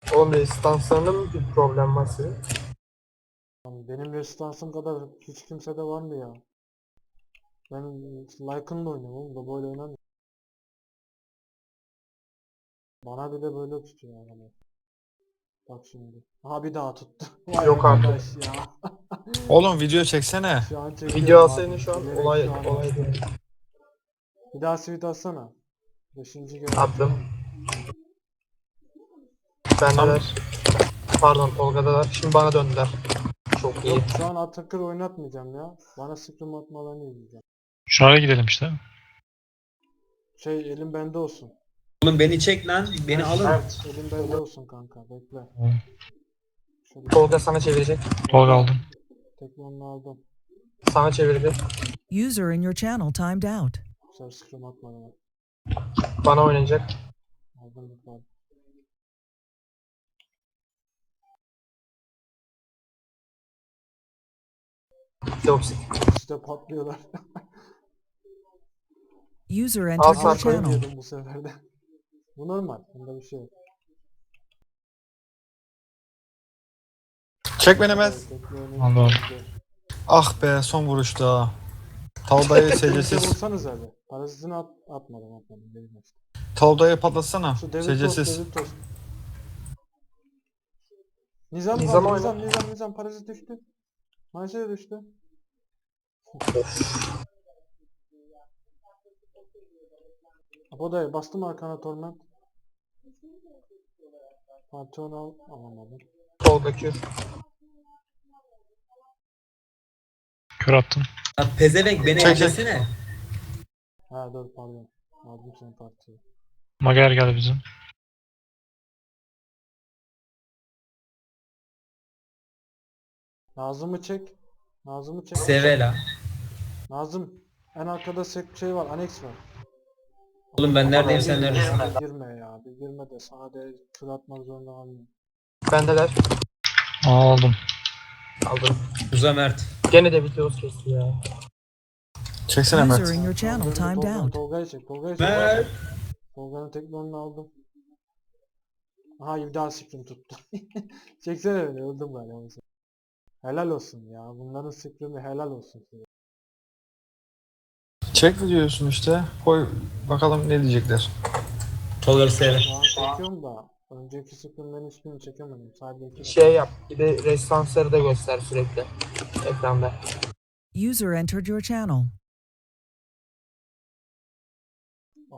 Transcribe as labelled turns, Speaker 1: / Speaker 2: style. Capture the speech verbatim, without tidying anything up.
Speaker 1: Oğlum resistanslarında mı bir problem var senin?
Speaker 2: Yani benim resistansım kadar hiç kimsede var mı ya? Ben Lycan'la oynuyorum oğlum da böyle oynamıyorum. Bana bile böyle tutuyor yani. Bak şimdi. Aha bir daha tuttu. Vay
Speaker 1: Yok artık.
Speaker 2: arkadaş ya.
Speaker 3: Oğlum video çeksene.
Speaker 2: Şu an
Speaker 1: Video
Speaker 2: çekiyorum
Speaker 1: alsaydın
Speaker 2: abi.
Speaker 1: şu an
Speaker 2: Bilerek
Speaker 1: olay
Speaker 2: şu an
Speaker 1: olay
Speaker 2: attım.
Speaker 1: değil.
Speaker 2: Bir daha sweet atsana. Beşinci görev.
Speaker 1: Attım.
Speaker 3: Tam
Speaker 1: Bendeler. Pardon Tolga'dalar. Şimdi bana döndüler. Çok iyi.
Speaker 2: Yok şu an Atakır oynatmayacağım ya. Bana scrim atmalarını izleyeceğim.
Speaker 4: Şuraya gidelim işte.
Speaker 2: Şey elim bende olsun.
Speaker 5: Oğlum beni çek lan. Beni
Speaker 2: Mert,
Speaker 5: alın.
Speaker 2: Mert, elim bende olsun kanka. Bekle. Şöyle
Speaker 1: Tolga sana çevirecek.
Speaker 4: Tolga aldım.
Speaker 2: tekmanını aldım.
Speaker 1: Sana çevirdi.
Speaker 6: User in your channel timed out.
Speaker 2: Bu sefer scrim atmadan
Speaker 1: Bana oynayacak.
Speaker 2: aldım bir tane.
Speaker 1: Toksik.
Speaker 2: İşte patlıyorlar.
Speaker 6: User
Speaker 1: Al
Speaker 6: entered your
Speaker 1: saklayı
Speaker 6: channel.
Speaker 2: Diyordum bu sefer de. Bu normal. Bunda bir şey yok.
Speaker 3: çek beni Mehmet.
Speaker 2: Evet, teknoloji-
Speaker 4: Anladım.
Speaker 3: Ah be son vuruşta. Tavdayı
Speaker 2: Bize
Speaker 3: secesiz.
Speaker 2: vursanız abi. Parazitini at, atmadım atmadım. Benim işte.
Speaker 3: Tavdayı patlatsana.
Speaker 2: Şu Devil Toast,
Speaker 3: Secesiz.
Speaker 2: Devil Toast. Nizam
Speaker 1: Nizam
Speaker 2: var,
Speaker 1: oyna.
Speaker 2: Nizam, Nizam, Nizam. Parazit düştü. Manşe de düştü. Apoda'ya bastım arkana Torment. Pantheon al, alamadım.
Speaker 1: Tolga Q.
Speaker 4: Kör attım.
Speaker 5: Lan pezevenk beni
Speaker 3: Çek, çek.
Speaker 5: ellesene.
Speaker 2: Ha dur pardon. Aldım senin partiyi.
Speaker 4: Mager geldi bizim.
Speaker 2: Nazım'ı çek. Nazım'ı çek.
Speaker 5: Sevela.
Speaker 2: Nazım. En arkada sek şey var, aneks var.
Speaker 5: Oğlum ben neredeyim sen
Speaker 2: Girme,
Speaker 5: neredesin?
Speaker 2: bir Girme ya, bir girme de sana de tur atmak zorunda kalmıyorum.
Speaker 1: Bendeler.
Speaker 4: Aldım.
Speaker 1: Aldım.
Speaker 5: Uza Mert.
Speaker 1: Gene de videos kesti ya.
Speaker 3: Çeksene
Speaker 6: User
Speaker 3: Mert.
Speaker 6: in your channel
Speaker 2: Tolga'yı-
Speaker 6: timed
Speaker 2: Tolga-
Speaker 6: out.
Speaker 2: Tolga'yı çek, Tolga'yı çek.
Speaker 5: Mert.
Speaker 2: Tolga'nın teknonunu aldım. Aha bir daha scrim tuttu. Çeksene beni, öldüm galiba. bu sefer. Helal olsun ya, bunların scrimi helal olsun size.
Speaker 3: Çek videosunu işte. Koy bakalım ne diyecekler.
Speaker 5: Tolga sev.
Speaker 2: Şu an çekiyorum da, önceki scrimlerin hiçbirini çekemedim. Sadece iki.
Speaker 1: Şey yap. Bir de resistansları da göster sürekli. Ekranda.
Speaker 6: User entered your channel.